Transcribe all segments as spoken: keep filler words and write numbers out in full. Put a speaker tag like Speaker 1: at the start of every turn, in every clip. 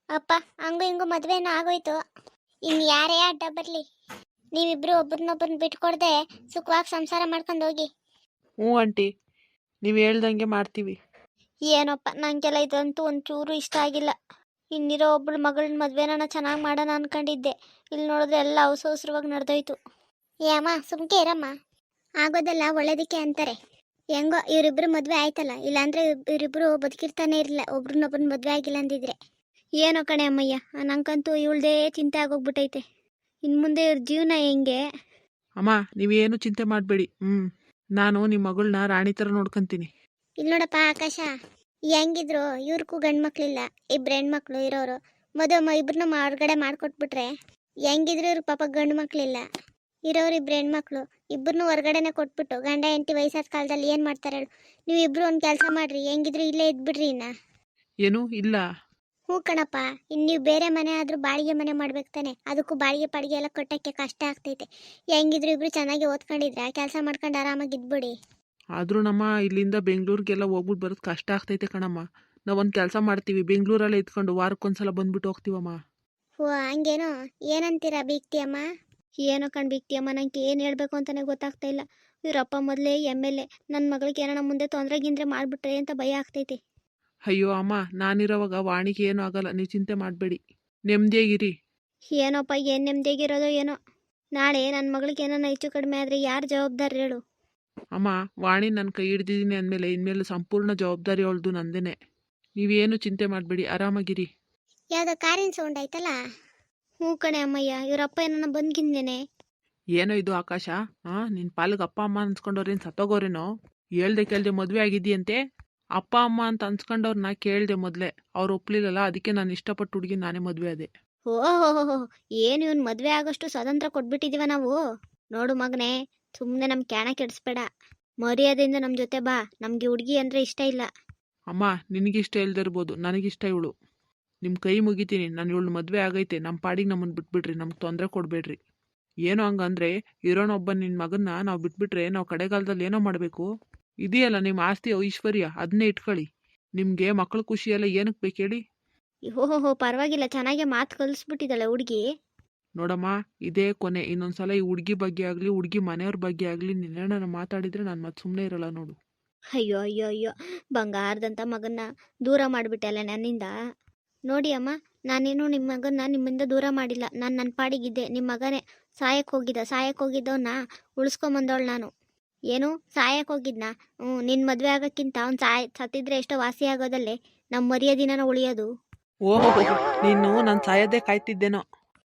Speaker 1: ಅಪ್ಪ ಹಂಗು ಹಿಂಗು ಮದ್ವೆನೂ ಆಗೋಯ್ತು. ಇನ್ ಯಾರೇ ಅಡ್ಡ ಬರ್ಲಿ, ನೀವಿಬ್ರು ಒಬ್ರನ್ನೊಬ್ರನ್ನ ಬಿಟ್ಕೊಡ್ದೆ ಸುಖವಾಗಿ ಸಂಸಾರ ಮಾಡ್ಕೊಂಡು ಹೋಗಿ.
Speaker 2: ಹ್ಞೂ ಆಂಟಿ, ನೀವು ಹೇಳ್ದಂಗೆ ಮಾಡ್ತೀವಿ.
Speaker 1: ಏನಪ್ಪ ನಂಗೆಲ್ಲ ಇದಂತೂ ಒಂಚೂರು ಇಷ್ಟ ಆಗಿಲ್ಲ. ಇನ್ನಿರೋ ಒಬ್ಳು ಮಗಳನ್ನ ಮದ್ವೆನ ಚೆನ್ನಾಗಿ ಮಾಡೋಣ ಅನ್ಕೊಂಡಿದ್ದೆ. ಇಲ್ಲಿ ನೋಡಿದ್ರೆ ಎಲ್ಲ ಅವಸರವಾಗಿ ನಡೆದೋಯ್ತು. ಏಮ್ಮ ಸುಮ್ಕೆ ಇರಮ್ಮ, ಆಗೋದೆಲ್ಲ ಒಳ್ಳೇದಕ್ಕೆ ಅಂತಾರೆ. ಹೆಂಗೋ ಇವರಿಬ್ರು ಮದ್ವೆ ಆಯ್ತಲ್ಲ, ಇಲ್ಲಾಂದ್ರೆ ಇವರಿಬ್ರು ಬದುಕಿರ್ತಾನೆ ಇರಲಿಲ್ಲ ಒಬ್ರನ್ನೊಬ್ರನ್ನ ಮದ್ವೆ ಆಗಿಲ್ಲ ಅಂದಿದ್ರೆ. ಏನೋ ಕಣೆ ಅಮ್ಮಯ್ಯ, ನಂಗಂತೂ ಇವಳ್ದೇ ಚಿಂತೆ ಆಗೋಗ್ಬಿಟ್ಟೈತೆ. ಇನ್ನು ಮುಂದೆ ಇವ್ರ ಜೀವನ ಹೆಂಗೆ?
Speaker 2: ಅಮ್ಮ ನೀವೇನು ಚಿಂತೆ ಮಾಡಬೇಡಿ. ಹ್ಞೂ ನಾನು ನಿಮ್ಮ ಮಗಳನ್ನ ರಾಣಿ ಥರ ನೋಡ್ಕೊಂತೀನಿ.
Speaker 1: ಇಲ್ಲಿ ನೋಡಪ್ಪ ಆಕಾಶ, ಹೆಂಗಿದ್ರು ಇವ್ರಿಗೂ ಗಂಡು ಮಕ್ಳಿಲ್ಲ, ಇಬ್ರು ಹೆಣ್ಮಕ್ಳು ಇರೋರು. ಮದುವೆ ಇಬ್ರನ್ನ ಹೊರಗಡೆ ಮಾಡ್ಕೊಟ್ಬಿಟ್ರೆ ಹೆಂಗಿದ್ರು ಇವ್ರ ಪಾಪ ಗಂಡು ಮಕ್ಳಿಲ್ಲ, ಇರೋರು ಇಬ್ರು ಹೆಣ್ಮಕ್ಳು. ಇಬ್ಬರನ್ನೂ ಹೊರಗಡೆನೆ ಕೊಟ್ಬಿಟ್ಟು ಗಂಡ ಹೆಂಡತಿ ವಯಸ್ಸಾದ ಕಾಲದಲ್ಲಿ ಏನು ಮಾಡ್ತಾರೆ ಹೇಳು? ನೀವು ಇಬ್ರು ಒಂದು ಕೆಲಸ ಮಾಡ್ರಿ, ಹೆಂಗಿದ್ರು ಇಲ್ಲೇ ಇದ್ಬಿಡ್ರಿ. ಇನ್ನ
Speaker 2: ಏನು ಇಲ್ಲ?
Speaker 1: ಹ್ಞೂ ಕಣಪ್ಪ, ಇನ್ನು ನೀವು ಬೇರೆ ಮನೆ ಆದರೂ ಬಾಡಿಗೆ ಮನೆ ಮಾಡ್ಬೇಕು ತಾನೆ, ಅದಕ್ಕೂ ಬಾಡಿಗೆ ಪಾಡಿಗೆ ಎಲ್ಲ ಕೊಟ್ಟಕ್ಕೆ ಕಷ್ಟ ಆಗ್ತೈತೆ. ಹೆಂಗಿದ್ರು ಇಬ್ರು ಚೆನ್ನಾಗಿ ಓದ್ಕೊಂಡಿದ್ರೆ ಕೆಲಸ ಮಾಡ್ಕೊಂಡು ಆರಾಮಾಗಿ ಇದ್ಬಿಡಿ.
Speaker 2: ಆದರೂ ನಮ್ಮ ಇಲ್ಲಿಂದ ಬೆಂಗಳೂರಿಗೆಲ್ಲ ಹೋಗ್ಬಿಟ್ಟು ಬರೋದು ಕಷ್ಟ ಆಗ್ತೈತೆ ಕಣಮ್ಮ. ನಾವೊಂದು ಕೆಲಸ ಮಾಡ್ತೀವಿ, ಬೆಂಗಳೂರಲ್ಲೇ ಇದ್ಕೊಂಡು ವಾರಕ್ಕೊಂದ್ಸಲ ಬಂದ್ಬಿಟ್ಟು ಹೋಗ್ತೀವಮ್ಮ.
Speaker 1: ಓ ಹಂಗೇನೋ, ಏನಂತೀರಾ ಬೀಗ್ತಿಯಮ್ಮ? ಏನೋ ಕಣ್ ಬೀಗ್ತಿಯಮ್ಮ, ನಂಗೆ ಏನು ಹೇಳಬೇಕು ಅಂತಲೇ ಗೊತ್ತಾಗ್ತಾ ಇಲ್ಲ. ಇವರಪ್ಪ ಮೊದಲೇ ಎಮ್ ಎಲ್ ಎ, ನನ್ನ ಮಗಳಿಗೆ ಏನೋ ಮುಂದೆ ತೊಂದರೆ ಗಿಂದ್ರೆ ಮಾಡಿಬಿಟ್ರೆ ಅಂತ ಭಯ ಆಗ್ತೈತಿ.
Speaker 2: ಅಯ್ಯೋ ಅಮ್ಮ, ನಾನಿರೋವಾಗ ವಾಣಿಗೆ ಏನೂ ಆಗಲ್ಲ, ನೀವು ಚಿಂತೆ ಮಾಡಬೇಡಿ, ನೆಮ್ಮದಿಯಾಗಿರಿ.
Speaker 1: ಏನೋಪ್ಪ ಏನು ನೆಮ್ಮದಿಯಾಗಿರೋದೋ ಏನೋ. ನಾಳೆ ನನ್ನ ಮಗಳಿಗೆ ಏನೋ ಹೆಚ್ಚು ಕಡಿಮೆ ಆದರೆ ಯಾರು ಜವಾಬ್ದಾರಿ ಹೇಳು?
Speaker 2: ಅಮ್ಮ, ವಾಣಿ ನನ್ನ ಕೈ ಹಿಡ್ದಿದ್ದೀನಿ ಅಂದಮೇಲೆ ಇನ್ಮೇಲೆ ಸಂಪೂರ್ಣ ಜವಾಬ್ದಾರಿ ಅವಳ್ದು ನಂದೇನೆ. ನೀವೇನು ಚಿಂತೆ ಮಾಡಬೇಡಿ, ಆರಾಮಾಗಿರಿ.
Speaker 1: ಯಾವುದೋ ಕಾರಿನ ಸೌಂಡ್ ಆಯ್ತಲ್ಲ? ಹ್ಞೂ ಕಣೆ ಅಮ್ಮಯ್ಯ, ಇವರಪ್ಪ ಏನೋ ಬಂದ್ಗಿಂದೇನೆ.
Speaker 2: ಏನೋ ಇದು ಆಕಾಶ, ಹಾಂ ನಿನ್ನ ಪಾಲಿಗೆ ಅಪ್ಪ ಅಮ್ಮ ಅನ್ಸ್ಕೊಂಡವ್ರೇನು ಸತ್ತೋಗೋರೇನೋ? ಹೇಳ್ದೆ ಕೇಳ್ದೆ ಮದುವೆ ಆಗಿದ್ದೀಯಂತೆ. ಅಪ್ಪ ಅಮ್ಮ ಅಂತ ಅನ್ಸ್ಕೊಂಡವ್ರನ್ನ ಕೇಳಿದೆ ಮೊದಲೇ, ಅವ್ರು ಒಪ್ಲಿಲ್ಲಲ್ಲ, ಅದಕ್ಕೆ ನಾನು ಇಷ್ಟಪಟ್ಟು ಹುಡುಗಿ ನಾನೇ ಮದುವೆ ಆದೆ.
Speaker 1: ಓಹೋ, ಏನು ಇವನು ಮದುವೆ ಆಗೋಷ್ಟು ಸ್ವತಂತ್ರ ಕೊಟ್ಬಿಟ್ಟಿದೀವ ನಾವು? ನೋಡು ಮಗನೇ, ಸುಮ್ಮನೆ ನಮ್ಮ ಕ್ಯಾಣ ಕೆಡಿಸ್ಬೇಡ, ಮರ್ಯಾದೆಯಿಂದ ನಮ್ಮ ಜೊತೆ ಬಾ. ನಮಗೆ ಹುಡುಗಿ ಅಂದರೆ ಇಷ್ಟ ಇಲ್ಲ.
Speaker 2: ಅಮ್ಮ ನಿನಗಿಷ್ಟ ಇಲ್ದಿರ್ಬೋದು, ನನಗಿಷ್ಟ ಇವಳು. ನಿಮ್ಮ ಕೈ ಮುಗಿತೀನಿ, ನಾನು ಇವಳು ಮದುವೆ ಆಗೈತೆ, ನಮ್ಮ ಪಾಡಿಗೆ ನಮ್ಮನ್ನು ಬಿಟ್ಬಿಡ್ರಿ, ನಮ್ಗೆ ತೊಂದರೆ ಕೊಡಬೇಡ್ರಿ. ಏನೋ ಹಂಗಂದ್ರೆ ಇರೋನೊಬ್ಬ ನಿನ್ನ ಮಗನ್ನ ನಾವು ಬಿಟ್ಬಿಟ್ರೆ ನಾವು ಕಡೆಗಾಲದಲ್ಲಿ ಏನೋ ಮಾಡಬೇಕು? ಇದೆಯಲ್ಲ ನಿಮ್ಮ ಆಸ್ತಿ ಐಶ್ವರ್ಯ, ಅದನ್ನೇ ಇಟ್ಕೊಳ್ಳಿ. ನಿಮಗೆ ಮಕ್ಕಳು ಖುಷಿಯೆಲ್ಲ ಏನಕ್ಕೆ ಬೇಕು ಹೇಳಿ?
Speaker 1: ಓಹೋ ಪರವಾಗಿಲ್ಲ, ಚೆನ್ನಾಗೆ ಮಾತು ಕಲಿಸ್ಬಿಟ್ಟಿದ್ದಾಳೆ ಹುಡುಗಿ.
Speaker 2: ನೋಡಮ್ಮ, ಇದೇ ಕೊನೆ. ಇನ್ನೊಂದ್ಸಲ ಈ ಹುಡುಗಿ ಬಗ್ಗೆ ಆಗಲಿ ಹುಡುಗಿ ಮನೆಯವ್ರ ಬಗ್ಗೆ ಆಗಲಿ ನಿನ್ನೇನ ಮಾತಾಡಿದರೆ ನಾನು ಮತ್ತೆ ಸುಮ್ಮನೆ ಇರಲ್ಲ ನೋಡು.
Speaker 1: ಅಯ್ಯೋ ಅಯ್ಯೋ ಅಯ್ಯೋ, ಬಂಗಾರದಂಥ ಮಗನ್ನ ದೂರ ಮಾಡಿಬಿಟ್ಟಲ್ಲ ನನ್ನಿಂದ. ನೋಡಿ ಅಮ್ಮ, ನಾನೇನು ನಿಮ್ಮ ಮಗನ್ನ ನಿಮ್ಮಿಂದ ದೂರ ಮಾಡಿಲ್ಲ. ನಾನು ನನ್ನ ಪಾಡಿಗಿದ್ದೆ. ನಿಮ್ಮ ಮಗನೇ ಸಾಯಕ್ಕೆ ಹೋಗಿದ್ದ, ಸಾಯಕ್ಕೆ ಹೋಗಿದ್ದವನ್ನ ಉಳಿಸ್ಕೊಂಬಂದವಳು ನಾನು. ಏನು ಸಾಯಕ್ಕೆ ಹೋಗಿದ್ನ? ಹ್ಞೂ, ನಿನ್ನ ಮದುವೆ ಆಗೋಕ್ಕಿಂತ ಅವ್ನು ಸಾಯ್ ಸತ್ತಿದ್ರೆ ಎಷ್ಟೋ ವಾಸಿ ಆಗೋದಲ್ಲೇ ನಮ್ಮ ಮರ್ಯಾದಿನ ಉಳಿಯೋದು.
Speaker 2: ಓಹೋ, ನೀನು ನಾನು ಸಾಯೋದೇ ಕಾಯ್ತಿದ್ದೇನೋ.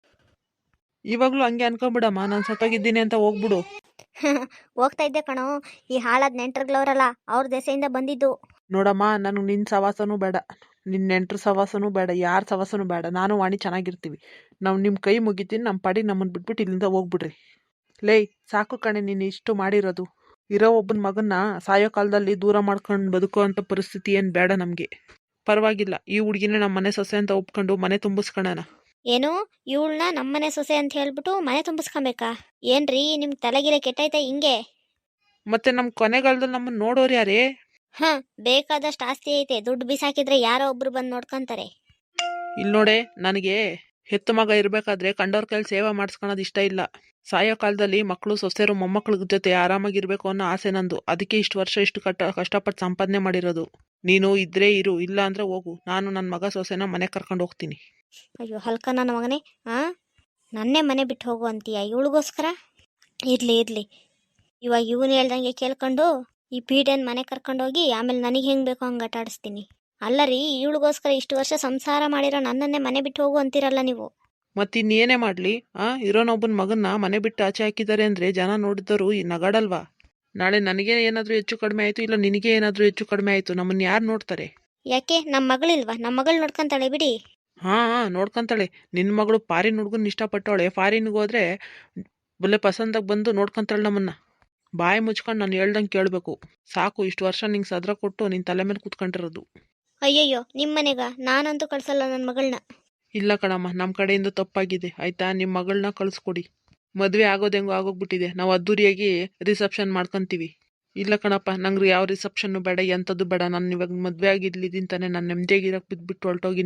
Speaker 2: ಇವಾಗಲೂ ಹಂಗೆ ಅನ್ಕೊಂಬಿಡಮ್ಮ, ನಾನು ಸತ್ತೋಗಿದ್ದೀನಿ ಅಂತ ಹೋಗ್ಬಿಡು.
Speaker 1: ಹೋಗ್ತಾ ಇದ್ದೆ ಕಣೋ, ಈ ಹಾಳಾದ ನೆಂಟ್ರುಗಳವರಲ್ಲ ಅವ್ರ ದೆಸೆಯಿಂದ ಬಂದಿದ್ದು.
Speaker 2: ನೋಡಮ್ಮ, ನನಗೆ ನಿನ್ನ ಸವಾಸನೂ ಬೇಡ, ನಿನ್ನ ನೆಂಟ್ರ ಸವಾಸನೂ ಬೇಡ, ಯಾರ ಸವಾಸನೂ ಬೇಡ. ನಾನು ವಾಣಿ ಚೆನ್ನಾಗಿರ್ತೀವಿ. ನಾವು ನಿಮ್ಮ ಕೈ ಮುಗಿತೀನಿ, ನಮ್ಮ ಪಾಡಿಗೆ ನಮ್ಮನ್ನು ಬಿಟ್ಬಿಟ್ಟು ಇಲ್ಲಿಂದ ಹೋಗ್ಬಿಡ್ರಿ. ಲೇ ಸಾಕು ಕಣೆ ನೀನು ಇಷ್ಟು ಮಾಡಿರೋದು. ಇರೋ ಒಬ್ಬನ ಮಗನ್ನ ಸಾಯೋ ಕಾಲದಲ್ಲಿ ದೂರ ಮಾಡ್ಕೊಂಡು ಬದುಕೋ ಅಂಥ ಪರಿಸ್ಥಿತಿ ಏನು ಬೇಡ ನಮಗೆ. ಪರವಾಗಿಲ್ಲ, ಈ ಹುಡುಗಿನ ನಮ್ಮ ಮನೆ ಸೊಸೆ ಅಂತ ಒಪ್ಕೊಂಡು ಮನೆ ತುಂಬಿಸ್ಕೊಳ್ಳೋಣ.
Speaker 1: ಏನು ಇವಳನ್ನ ನಮ್ಮನೆ ಸೊಸೆ ಅಂತ ಹೇಳ್ಬಿಟ್ಟು ಮನೆ ತುಂಬಿಸ್ಕೊಬೇಕಾ? ಏನ್ರಿ ನಿಮ್ಗೆ ತಲೆಗಿಲೆ ಕೆಟ್ಟೈತೆ ಹಿಂಗೆ?
Speaker 2: ಮತ್ತೆ ನಮ್ಮ ಕೊನೆಗಾಲದಲ್ಲಿ ನಮ್ಮನ್ನು ನೋಡೋರು ಯಾರೇ?
Speaker 1: ಹಾಂ, ಬೇಕಾದಷ್ಟು ಆಸ್ತಿ ಐತೆ, ದುಡ್ಡು ಬಿಸಾಕಿದ್ರೆ ಯಾರೋ ಒಬ್ರು ಬಂದು ನೋಡ್ಕೊಂತಾರೆ.
Speaker 2: ಇಲ್ಲಿ ನೋಡೆ, ನನಗೆ ಹೆತ್ತು ಮಗ ಇರಬೇಕಾದ್ರೆ ಕಂಡವ್ರ ಕೈಲಿ ಸೇವೆ ಮಾಡಿಸ್ಕೊಳೋದು ಇಷ್ಟ ಇಲ್ಲ. ಸಾಯೋ ಕಾಲದಲ್ಲಿ ಮಕ್ಕಳು ಸೊಸೆರು ಮೊಮ್ಮಕ್ಳ ಜೊತೆ ಆರಾಮಾಗಿರ್ಬೇಕು ಅನ್ನೋ ಆಸೆ ನಂದು. ಅದಕ್ಕೆ ಇಷ್ಟು ವರ್ಷ ಇಷ್ಟು ಕಟ್ಟ ಕಷ್ಟಪಟ್ಟು ಸಂಪಾದನೆ ಮಾಡಿರೋದು. ನೀನು ಇದ್ರೆ ಇರು, ಇಲ್ಲ ಅಂದರೆ ಹೋಗು. ನಾನು ನನ್ನ ಮಗ ಸೊಸೆನ ಮನೆ ಕರ್ಕೊಂಡು ಹೋಗ್ತೀನಿ.
Speaker 1: ಅಯ್ಯೋ ಹಲ್ಕ ನನ್ನ ಮಗನೇ, ಹಾಂ ನನ್ನೇ ಮನೆ ಬಿಟ್ಟು ಹೋಗು ಅಂತೀಯ ಇವಳಿಗೋಸ್ಕರ? ಇರಲಿ ಇರಲಿ, ಇವಾಗ ಇವನು ಹೇಳ್ದಂಗೆ ಕೇಳ್ಕೊಂಡು ಈ ಪೀಡೆನ್ ಮನೆ ಕರ್ಕೊಂಡೋಗಿ ಆಮೇಲೆ ನನಗೆ ಹೆಂಗೆ ಬೇಕೋ ಹಂಗೆ ಆಟ ಆಡಿಸ್ತೀನಿ. ಅಲ್ಲ ರೀ, ಇವಳಿಗೋಸ್ಕರ ಇಷ್ಟು ವರ್ಷ ಸಂಸಾರ ಮಾಡಿರೋ ನನ್ನನ್ನೇ ಮನೆ ಬಿಟ್ಟು ಹೋಗು ಅಂತೀರಲ್ಲ ನೀವು.
Speaker 2: ಮತ್ತಿನ್ನೇನೇ ಮಾಡಲಿ? ಆ ಇರೋನೊಬ್ಬನ ಮಗನ್ನ ಮನೆ ಬಿಟ್ಟು ಆಚೆ ಹಾಕಿದ್ದಾರೆ ಅಂದರೆ ಜನ ನೋಡಿದವರು ಈ ನಗಾಡಲ್ವಾ? ನಾಳೆ ನನಗೆ ಏನಾದರೂ ಹೆಚ್ಚು ಕಡಿಮೆ ಆಯಿತು, ಇಲ್ಲ ನಿನಗೆ ಏನಾದರೂ ಹೆಚ್ಚು ಕಡಿಮೆ ಆಯಿತು, ನಮ್ಮನ್ನು ಯಾರು ನೋಡ್ತಾರೆ?
Speaker 1: ಯಾಕೆ ನಮ್ಮ ಮಗಳಿಲ್ವಾ? ನಮ್ಮ ಮಗಳು ನೋಡ್ಕೊಂತಾಳೆ ಬಿಡಿ.
Speaker 2: ಹಾಂ ಹಾಂ ನೋಡ್ಕೊಂತಾಳೆ. ನಿನ್ನ ಮಗಳು ಫಾರಿನ್ ಹುಡುಗನ ಇಷ್ಟಪಟ್ಟವಳೆ, ಫಾರಿನ್ಗೆ ಹೋದರೆ ಬಲ್ಲೆ ಪಸಂದಾಗಿ ಬಂದು ನೋಡ್ಕೊಂತಾಳೆ ನಮ್ಮನ್ನು. ಬಾಯಿ ಮುಚ್ಕೊಂಡು ನಾನು ಹೇಳ್ದಂಗೆ ಕೇಳಬೇಕು. ಸಾಕು, ಇಷ್ಟು ವರ್ಷ ನಿಂಗೆ ಸದ್ರ ಕೊಟ್ಟು ನಿನ್ನ ತಲೆ ಮೇಲೆ ಕೂತ್ಕೊಂಡಿರೋದು.
Speaker 1: ಅಯ್ಯಯ್ಯೋ, ನಿಮ್ಮ ಮನೆಗ ನಾನಂತೂ ಕಳ್ಸಲ್ಲ ನನ್ನ ಮಗಳನ್ನ.
Speaker 2: ಇಲ್ಲ ಕಣಮ್ಮ, ನಮ್ಮ ಕಡೆಯಿಂದ ತಪ್ಪಾಗಿದೆ ಆಯಿತಾ. ನಿಮ್ಮ ಮಗಳನ್ನ ಕಳಿಸ್ಕೊಡಿ. ಮದುವೆ ಆಗೋದು ಹೆಂಗೋ ಆಗೋಗ್ಬಿಟ್ಟಿದೆ, ನಾವು ಅದ್ದೂರಿಯಾಗಿ ರಿಸೆಪ್ಷನ್ ಮಾಡ್ಕೊತೀವಿ. ಇಲ್ಲ ಕಣಪ್ಪ, ನಂಗೆ ಯಾವ ರಿಸೆಪ್ಷನ್ನು ಬೇಡ, ಎಂಥದ್ದು ಬೇಡ. ನಾನು ಇವಾಗ ಮದುವೆ ಆಗಿದ್ಲಿದ್ದೀನಿ ತಾನೆ, ನಾನು ನೆಮ್ಮದಿಯಾಗಿರೋಕ್ಕೆ ಬಿದ್ದುಬಿಟ್ಟು ಹೊರಟೋಗಿ ನೀವು.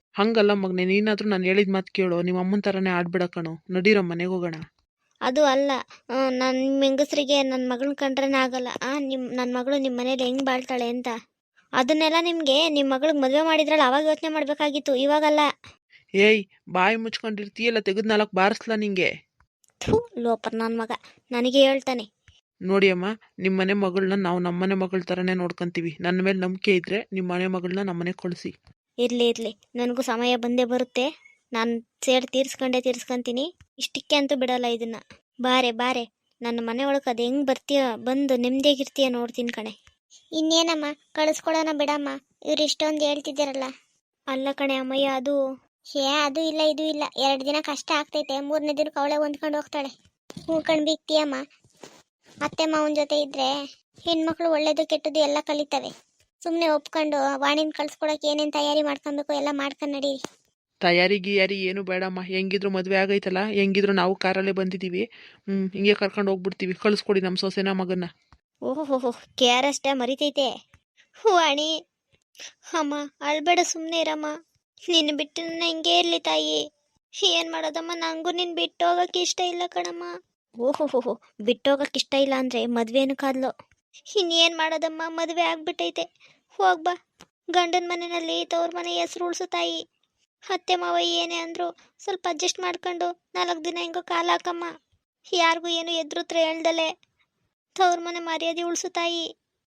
Speaker 2: ಹಂಗಲ್ಲ ಮಗನೆ, ನೀನಾದರೂ ನಾನು ಹೇಳಿದ ಮಾತು ಕೇಳು. ನಿಮ್ಮ ಅಮ್ಮನ ಥರನೇ ಆಡ್ಬಿಡ ಕಣೋ. ನಡೀರೋ ಮನೆಗೆ ಹೋಗೋಣ.
Speaker 1: ಅದು ಅಲ್ಲ, ನನ್ನ ನಿಮ್ಮ ಹೆಂಗಸ್ರಿಗೆ ನನ್ನ ಮಗಳನ್ನ ಕಂಡ್ರೇ ಆಗಲ್ಲ. ನಿಮ್ಮ ನನ್ನ ಮಗಳು ನಿಮ್ಮ ಮನೇಲಿ ಹೆಂಗೆ ಬಾಳ್ತಾಳೆ ಅಂತ ಅದನ್ನೆಲ್ಲ ನಿಮಗೆ ನಿಮ್ಮ ಮಗಳಿಗೆ ಮದುವೆ ಮಾಡಿದ್ರಲ್ಲ ಅವಾಗ ಯೋಚನೆ ಮಾಡಬೇಕಾಗಿತ್ತು, ಇವಾಗಲ್ಲ.
Speaker 2: ಏಯ್, ಬಾಯಿ ಮುಚ್ಕೊಂಡಿರ್ತೀಯಲ್ಲ, ತೆಗೆದು ನಾಲ್ಕು ಬಾರಿಸ್ಲಾ ನಿಂಗೆ.
Speaker 1: ಥೂ, ಲೋಪರ್ ನನ್ನ ಮಗ ನನಗೆ ಹೇಳ್ತಾನೆ.
Speaker 2: ನೋಡಿ ಅಮ್ಮ, ನಿಮ್ಮ ಮನೆ ಮಗಳನ್ನ ನಾವು ನಮ್ಮನೆ ಮಗಳ ಥರನೇ ನೋಡ್ಕೊಂತೀವಿ. ನನ್ನ ಮೇಲೆ ನಂಬಿಕೆ ಇದ್ದರೆ ನಿಮ್ಮ ಮನೆ ಮಗಳನ್ನ ನಮ್ಮನೆ ಕಳಿಸಿ.
Speaker 1: ಇರಲಿ ಇರಲಿ, ನನಗೂ ಸಮಯ ಬಂದೇ ಬರುತ್ತೆ. ನಾನು ಸೇಡ್ ತೀರ್ಸ್ಕೊಂಡೇ ತೀರ್ಸ್ಕೊಂತೀನಿ. ಇಷ್ಟಕ್ಕೆ ಅಂತೂ ಬಿಡಲ್ಲ ಇದನ್ನ. ಬಾರೆ ಬಾರೆ, ನನ್ನ ಮನೆ ಒಳಗೆ ಅದು ಹೆಂಗೆ ಬರ್ತೀಯ, ಬಂದು ನೆಮ್ಮದಿಯಾಗಿರ್ತೀಯ ನೋಡ್ತೀನಿ ಕಣೆ. ಇನ್ನೇನಮ್ಮ, ಕಳಿಸ್ಕೊಡೋಣ ಬಿಡಮ್ಮ, ಇವ್ರು ಇಷ್ಟೊಂದು ಹೇಳ್ತಿದ್ದಾರಲ್ಲ. ಅಲ್ಲ ಕಣೆ ಅಮ್ಮಯ್ಯ, ಅದು ಏ ಅದು ಇಲ್ಲ ಇದು ಇಲ್ಲ, ಎರಡು ದಿನ ಕಷ್ಟ ಆಗ್ತೈತೆ, ಮೂರನೇ ದಿನಕ್ಕೆ ಅವಳೆ ಹೊಂದ್ಕೊಂಡು ಹೋಗ್ತಾಳೆ. ಹ್ಞೂ ಕಣ್ಬಿಕ್ತಿಯಮ್ಮ. ಅತ್ತೆ ಮಾವನ ಜೊತೆ ಇದ್ರೆ ಹೆಣ್ಮಕ್ಳು ಒಳ್ಳೇದು ಕೆಟ್ಟದ್ದು ಎಲ್ಲ ಕಲಿತವೆ. ಸುಮ್ಮನೆ ಒಪ್ಕೊಂಡು ವಾಣಿನ ಕಳ್ಸ್ಕೊಡಕ್ಕೆ ಏನೇನು ತಯಾರಿ ಮಾಡ್ಕೊಬೇಕು ಎಲ್ಲ ಮಾಡ್ಕೊಂಡು ನಡೀರಿ.
Speaker 2: ತಯಾರಿ ಗಿಯಾರಿ ಏನು ಬೇಡಮ್ಮ. ಹೆಂಗಿದ್ರು ಮದುವೆ ಆಗೈತಲ್ಲ, ಹೆಂಗಿದ್ರು ನಾವು ಕಾರಲ್ಲೇ ಬಂದಿದ್ದೀವಿ. ಹ್ಞೂ ಹಿಂಗೆ ಕರ್ಕೊಂಡು ಹೋಗ್ಬಿಡ್ತೀವಿ. ಕಳಿಸ್ಕೊಡಿ ನಮ್ಮ ಸೊಸೆನ ಮಗನ್ನ.
Speaker 1: ಓಹೋ, ಕೆ ಆರ್ ಅಷ್ಟೇ ಮರಿತೈತೆ. ವಾಣಿ ಅಮ್ಮ, ಅಳ್ಬೇಡ, ಸುಮ್ಮನೆ ಇರಮ್ಮ. ನಿನ್ನ ಬಿಟ್ಟು ನನ್ನ ಹಿಂಗೆ ಇರಲಿ ತಾಯಿ. ಏನು ಮಾಡೋದಮ್ಮ, ನನಗೂ ನಿನ್ನ ಬಿಟ್ಟು ಹೋಗೋಕ್ಕೆ ಇಷ್ಟ ಇಲ್ಲ ಕಣಮ್ಮ. ಓಹೋ, ಬಿಟ್ಟೋಗಕ್ಕೆ ಇಷ್ಟ ಇಲ್ಲ ಅಂದರೆ ಮದುವೆನೂ ಕಾದ್ಲು. ಇನ್ನೇನು ಮಾಡೋದಮ್ಮ, ಮದುವೆ ಆಗ್ಬಿಟ್ಟೈತೆ. ಹೋಗ್ಬಾ, ಗಂಡನ ಮನೆಯಲ್ಲಿ ತವ್ರ ಮನೆ ಹೆಸ್ರು ಉಳಿಸು ತಾಯಿ. ಅತ್ತೆ ಮಾವ ಏನೇ ಅಂದರು ಸ್ವಲ್ಪ ಅಡ್ಜಸ್ಟ್ ಮಾಡ್ಕೊಂಡು ನಾಲ್ಕು ದಿನ ಹೆಂಗೋ ಕಾಲ ಹಾಕಮ್ಮ. ಯಾರಿಗೂ ಏನು ಎದುರುತ್ರ ಹೇಳ್ದಲೆ ತವ್ರ ಮನೆ ಮರ್ಯಾದೆ ಉಳಿಸು ತಾಯಿ.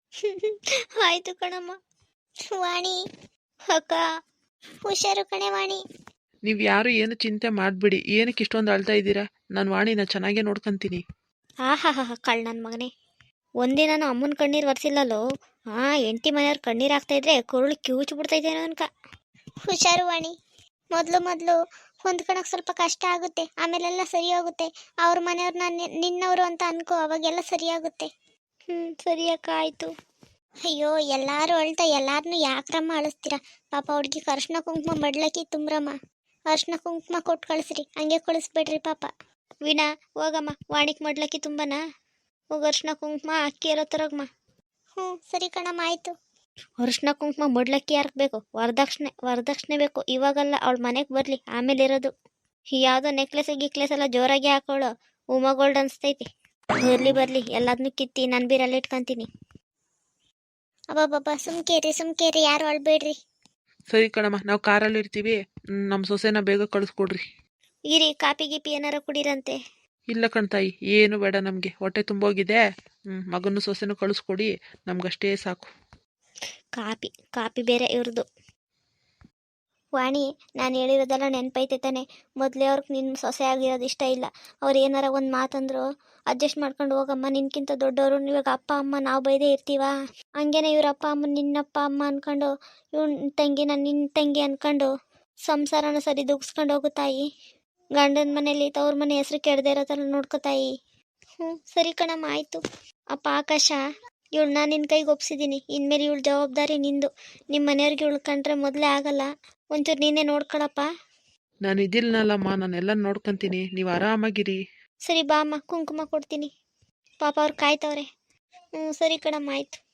Speaker 1: ಆಯ್ತು ಕಣಮ್ಮ. ವಾಣಿ ಅಕ್ಕ, ಹುಷಾರು ಕಣೆ ವಾಣಿ.
Speaker 2: ನೀವು ಯಾರು ಏನು ಚಿಂತೆ ಮಾಡಿಬಿಡಿ. ಏನಕ್ಕೆ ಇಷ್ಟೊಂದು ಅಳ್ತಾ ಇದ್ದೀರಾ? ನಾನು ವಾಣಿನ ಚೆನ್ನಾಗೇ ನೋಡ್ಕೊಂತೀನಿ.
Speaker 1: ಆಹಾ ಹಾ ಕಳ್ ನನ್ನ ಮಗನೇ, ಒಂದಿನ ಅಮ್ಮನ ಕಣ್ಣೀರು ಒರೆಸಿಲ್ಲಲ್ಲೋ. ಹಾಂ, ಹೆಂಡತಿ ಮನೆಯವ್ರ ಕಣ್ಣೀರು ಆಗ್ತಾಯಿದ್ರೆ ಕುರುಳು ಕಿವುಚು ಬಿಡ್ತೈತೇನೋ ಅನ್ಕ. ಹುಷಾರು ವಾಣಿ. ಮೊದಲು ಮೊದಲು ಹೊಂದ್ಕೊಳಕ್ಕೆ ಸ್ವಲ್ಪ ಕಷ್ಟ ಆಗುತ್ತೆ, ಆಮೇಲೆಲ್ಲ ಸರಿ ಹೋಗುತ್ತೆ. ಅವ್ರ ಮನೆಯವ್ರನ್ನ ನಿನ್ನವರು ಅಂತ ಅನ್ಕೋ, ಅವಾಗೆಲ್ಲ ಸರಿಯಾಗುತ್ತೆ. ಹ್ಞೂ ಸರಿ ಅಕ್ಕ, ಆಯಿತು. ಅಯ್ಯೋ, ಎಲ್ಲರೂ ಅಳ್ತಾ ಎಲ್ಲಾರನ್ನೂ ಯಾಕ್ರಮ್ಮ ಅಳಿಸ್ತೀರಾ? ಪಾಪ ಹುಡುಗಿ ಅರ್ಶಿನ ಕುಂಕುಮ ಬಡ್ಲಕ್ಕಿ ತುಂಬ್ರಮ್ಮ. ಅರ್ಶಿನ ಕುಂಕುಮ ಕೊಟ್ಟು ಕಳಿಸ್ರಿ, ಹಂಗೆ ಕಳಿಸ್ಬೇಡ್ರಿ ಪಾಪ. ವೀಣಾ ಹೋಗಮ್ಮ, ವಾಣಿಕ್ ಮಡ್ಲಕ್ಕಿ ತುಂಬನ ಹೋಗ, ಅರ್ಶಿನ ಕುಂಕುಮ ಅಕ್ಕಿ ಇರೋ ತರಗಮ್ಮ. ಹ್ಞೂ ಸರಿ ಕಣಮ್ಮ, ಆಯಿತು. ಅರ್ಶಿನ ಕುಂಕುಮ ಮಡ್ಲಕ್ಕಿ ಯಾರಿಗೆ ಬೇಕು? ವರದಕ್ಷಿಣೆ ವರದಕ್ಷಿಣೆ ಬೇಕು. ಇವಾಗಲ್ಲ, ಅವಳ ಮನೆಗೆ ಬರಲಿ, ಆಮೇಲೆ ಇರೋದು. ಯಾವುದೋ ನೆಕ್ಲೆಸ್ ಗಿಕ್ಲೆಸ್ ಎಲ್ಲ ಜೋರಾಗಿ ಹಾಕೊಳ್ಳೋ, ಉಮಾ ಗೋಲ್ಡ್ ಅನಿಸ್ತೈತಿ. ಬರಲಿ ಬರಲಿ, ಎಲ್ಲದನ್ನೂ ಕಿತ್ತಿ ನಾನು ಬೀರಲ್ಲಿ ಇಟ್ಕೊತೀನಿ. ಅಬ್ಬಬ್ಬಬ್ಬ, ಸುಮ್ಕೇರಿ ಸುಮ್ಕೇರಿ, ಯಾರು ಅಳ್ಬೇಡ್ರಿ.
Speaker 2: ಸರಿ ಕಣಮ್ಮ, ನಾವು ಕಾರಲ್ಲಿ ಇರ್ತೀವಿ. ನಮ್ಮ ಸೊಸೆನ ಬೇಗ ಕಳಿಸ್ಕೊಡ್ರಿ.
Speaker 1: ಇರಿ, ಕಾಪಿ ಗೀಪಿ ಏನಾರ ಕುಡೀರಂತೆ.
Speaker 2: ಇಲ್ಲ ಕಣ್ತಾಯಿ, ಏನು ಬೇಡ ನಮಗೆ, ಹೊಟ್ಟೆ ತುಂಬೋಗಿದೆ. ಹ್ಞೂ ಮಗನೂ ಸೊಸೆನೂ ಕಳಿಸ್ಕೊಡಿ, ನಮಗಷ್ಟೇ ಸಾಕು.
Speaker 1: ಕಾಪಿ ಕಾಪಿ ಬೇರೆ ಇವ್ರದ್ದು. ವಾಣಿ, ನಾನು ಹೇಳಿರೋದೆಲ್ಲ ನೆನಪೈತೆ ತಾನೆ? ಮೊದಲೇ ಅವ್ರಿಗೆ ನಿನ್ನ ಸೊಸೆ ಆಗಿರೋದು ಇಷ್ಟ ಇಲ್ಲ. ಅವ್ರು ಏನಾರ ಒಂದು ಮಾತಂದ್ರು ಅಡ್ಜಸ್ಟ್ ಮಾಡ್ಕೊಂಡು ಹೋಗಮ್ಮ, ನಿನ್ಕಿಂತ ದೊಡ್ಡವರು. ಇವಾಗ ಅಪ್ಪ ಅಮ್ಮ ನಾವು ಬೈದೇ ಇರ್ತೀವ. ಹಂಗೇನೆ ಇವ್ರ ಅಪ್ಪ ಅಮ್ಮ ನಿನ್ನಪ್ಪ ಅಮ್ಮ ಅಂದ್ಕೊಂಡು, ಇವ್ನ ತಂಗಿನ ನಿನ್ನ ತಂಗಿ ಅಂದ್ಕೊಂಡು ಸಂಸಾರನ ಸರಿ ದುಗ್ಸ್ಕೊಂಡು ಹೋಗು ತಾಯಿ. ಗಂಡನ ಮನೇಲಿ ತವ್ರ ಮನೆ ಹೆಸ್ರು ಕೆಡದೇ ಇರೋ ಥರ ನೋಡ್ಕೋ ತಾಯಿ. ಹ್ಞೂ ಸರಿ ಕಣಮ್ಮ, ಆಯಿತು. ಅಪ್ಪ ಆಕಾಶ, ಇವಳನ್ನ ನಿನ್ನ ಕೈಗೆ ಒಪ್ಸಿದ್ದೀನಿ. ಇನ್ಮೇಲೆ ಇವಳು ಜವಾಬ್ದಾರಿ ನಿಂದು. ನಿಮ್ಮ ಮನೆಯವ್ರಿಗೆ ಉಳ್ಕೊಂಡ್ರೆ ಮೊದಲೇ ಆಗಲ್ಲ. ಒಂಚೂರು ನೀನೇ ನೋಡ್ಕೊಳಪ್ಪ.
Speaker 2: ನಾನು ಇದಿಲ್ಲನಲ್ಲಮ್ಮ, ನಾನೆಲ್ಲ ನೋಡ್ಕೊಂತೀನಿ, ನೀವು ಆರಾಮಾಗಿರಿ.
Speaker 1: ಸರಿ ಬಾ ಅಮ್ಮ, ಕುಂಕುಮ ಕೊಡ್ತೀನಿ. ಪಾಪ ಅವ್ರು ಕಾಯ್ತವ್ರೆ. ಹ್ಞೂ ಸರಿ ಕಣಮ್ಮ, ಆಯಿತು.